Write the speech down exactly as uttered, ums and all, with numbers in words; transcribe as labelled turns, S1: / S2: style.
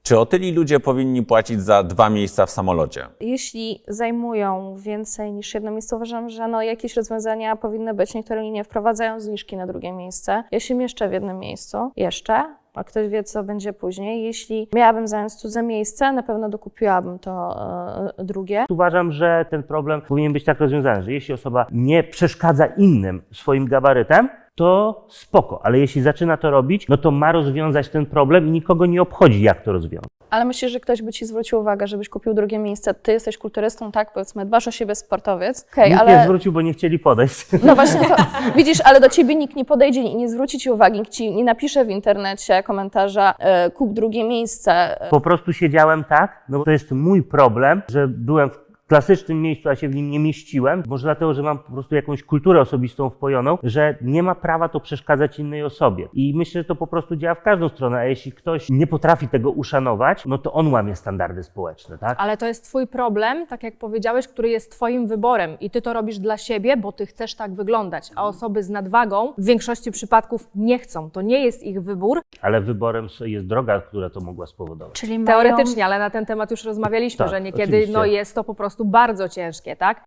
S1: Czy otyli ludzie powinni płacić za dwa miejsca w samolocie?
S2: Jeśli zajmują więcej niż jedno miejsce, uważam, że no jakieś rozwiązania powinny być. Niektóre linie wprowadzają zniżki na drugie miejsce. Ja się mieszczę w jednym miejscu. Jeszcze. A ktoś wie, co będzie później. Jeśli miałabym zająć cudze miejsce, na pewno dokupiłabym to e, drugie.
S3: Uważam, że ten problem powinien być tak rozwiązany, że jeśli osoba nie przeszkadza innym swoim gabarytem, to spoko, ale jeśli zaczyna to robić, no to ma rozwiązać ten problem i nikogo nie obchodzi, jak to rozwiązać.
S2: Ale myślisz, że ktoś by ci zwrócił uwagę, żebyś kupił drugie miejsce. Ty jesteś kulturystą, tak, powiedzmy, dbasz o siebie, sportowiec. Okay,
S3: Nikt
S2: ale...
S3: nie zwrócił, bo nie chcieli podejść.
S2: No właśnie, to, widzisz, ale do ciebie nikt nie podejdzie i nie zwróci ci uwagi, nikt ci nie napisze w internecie komentarza e, kup drugie miejsce.
S3: Po prostu siedziałem tak, no bo to jest mój problem, że byłem w klasycznym miejscu, a się w nim nie mieściłem. Może dlatego, że mam po prostu jakąś kulturę osobistą wpojoną, że nie ma prawa to przeszkadzać innej osobie. I myślę, że to po prostu działa w każdą stronę, a jeśli ktoś nie potrafi tego uszanować, no to on łamie standardy społeczne, tak?
S4: Ale to jest twój problem, tak jak powiedziałeś, który jest twoim wyborem i ty to robisz dla siebie, bo ty chcesz tak wyglądać, a osoby z nadwagą w większości przypadków nie chcą. To nie jest ich wybór.
S3: Ale wyborem jest droga, która to mogła spowodować.
S2: Czyli mają...
S4: Teoretycznie, ale na ten temat już rozmawialiśmy,
S3: Tak,
S4: że niekiedy
S3: oczywiście.
S4: no, jest to po prostu bardzo ciężkie, tak?